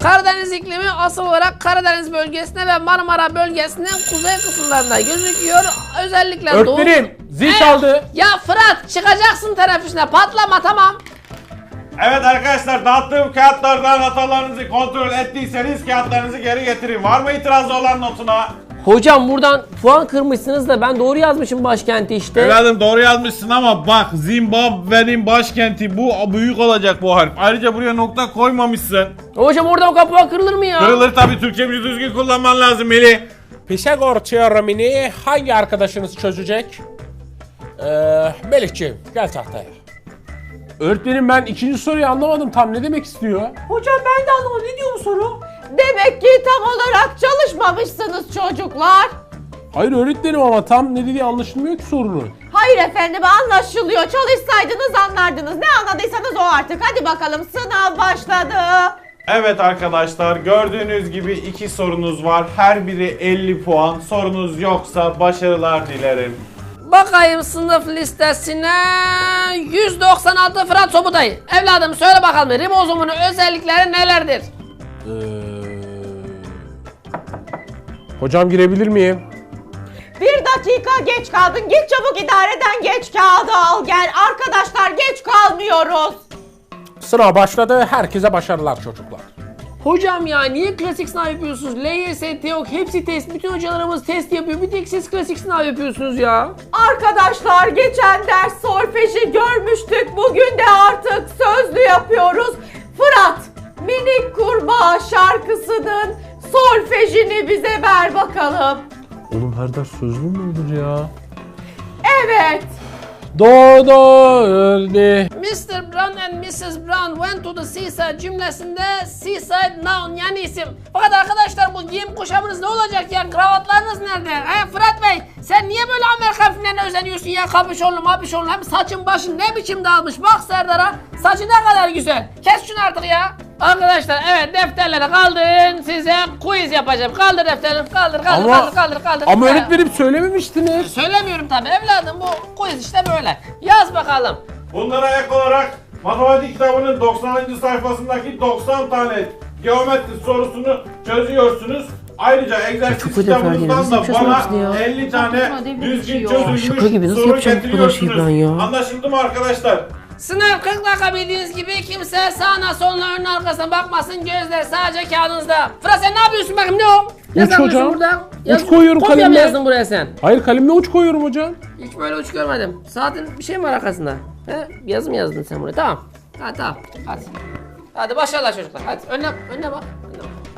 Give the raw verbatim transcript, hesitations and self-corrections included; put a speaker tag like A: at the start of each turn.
A: Karadeniz iklimi asıl olarak Karadeniz bölgesinde ve Marmara bölgesinin kuzey kısımlarında gözüküyor. Özellikle doğu...
B: Öğretmenim zil
A: Ee,
B: çaldı.
A: Ya Fırat çıkacaksın teneffüsüne, patlama, tamam.
C: Evet arkadaşlar, dağıttığım kağıtlardan hatalarınızı kontrol ettiyseniz kağıtlarınızı geri getirin. Var mı itirazı olan notuna?
D: Hocam buradan puan kırmışsınız da ben doğru yazmışım başkenti işte.
C: Evladım doğru yazmışsın ama bak, Zimbabwe'nin başkenti bu, büyük olacak bu harf. Ayrıca buraya nokta koymamışsın.
D: Hocam oradan o kadar puan kırılır mı ya?
C: Kırılır tabii, Türkçemizi düzgün kullanman lazım Melih.
B: Pisagor teoremini hangi arkadaşınız çözecek? Ee, Melihciğim gel tahtaya. Öğretmenim ben ikinci soruyu anlamadım, tam ne demek istiyor?
E: Hocam ben de anlamadım. Ne diyor bu soru? Demek ki tam olarak çalışmamışsınız çocuklar.
B: Hayır öğretmenim ama tam ne dediği anlaşılmıyor ki sorunun.
E: Hayır efendim, anlaşılıyor. Çalışsaydınız anlardınız. Ne anladıysanız o artık. Hadi bakalım, sınav başladı.
C: Evet arkadaşlar, gördüğünüz gibi iki sorunuz var. Her biri elli puan. Sorunuz yoksa başarılar dilerim.
A: Bakayım sınıf listesine. yüz doksan altı Fırat Sobutay. Evladım söyle bakalım, ribozomun özellikleri nelerdir?
B: Ee... Hocam girebilir miyim?
E: Bir dakika geç kaldın. Git çabuk idareden geç kağıdı al gel. Arkadaşlar geç kalmıyoruz.
B: Sınav başladı, herkese başarılar çocuklar.
D: Hocam ya niye klasik sınav yapıyorsunuz? L Y S, TEOK hepsi test. Bütün hocalarımız test yapıyor. Bir tek siz klasik sınav yapıyorsunuz ya.
E: Arkadaşlar geçen ders solfeji görmüştük. Bugün de artık sözlü yapıyoruz. Fırat, Minik Kurbağa şarkısının solfejini bize ver bakalım.
B: Oğlum her ders sözlü mü olur ya?
E: Evet.
B: Do do öldü.
A: mister Brown and missus Brown went to the seaside cümlesinde seaside noun yani isim. Fakat arkadaşlar bu giyim kuşamınız ne olacak ya? Kravatlarınız nerede? He Fırat Bey, sen niye böyle Amerikan filmlerine özeniyorsun ya? Kapüşonlu mapüşonlu, hem saçın başın ne biçim dağılmış. Bak Serdar'a, saçı ne kadar güzel. Kes şunu artık ya. Arkadaşlar evet, defterleri kaldırın, size quiz yapacağım. Kaldır defterleri, kaldır kaldır
B: Ama-
A: kaldır kaldır kaldır.
B: Ama
A: He.
B: öğretmenim söylememiştiniz.
A: Söylemiyorum tabii evladım, bu quiz işte böyle. Yaz bakalım.
C: Bunlara ek olarak matematik kitabının doksanıncı sayfasındaki doksan tane geometri sorusunu çözüyorsunuz. Ayrıca egzersiz kitabınızdan da bana elli tane düzgün çözülmüş
D: Şaka gibi, nasıl
C: soru
D: yapacağım bu kadar şeyi ben ya?
C: getiriyorsunuz. Anlaşıldı mı arkadaşlar?
A: Sınav kırk dakika bildiğiniz gibi, kimse sağına soluna önüne arkasına bakmasın, gözler sadece kağıdınızda. Fırat sen ne yapıyorsun bakayım, ne o? Ne
B: Uç
A: yazıyorsun
B: hocam.
A: burada?
B: Uç koyuyorum
A: Kopya mı
B: kalemle.
A: yazdın buraya sen?
B: Hayır kalemle uç koyuyorum hocam.
A: Hiç böyle uç görmedim. Saatin bir şey mi var arkasında? He? Yazı mı yazdın sen buraya? Tamam. Hadi tamam. Hadi. Hadi başarılar çocuklar. Hadi önüne, önüne bak. Önüne bak.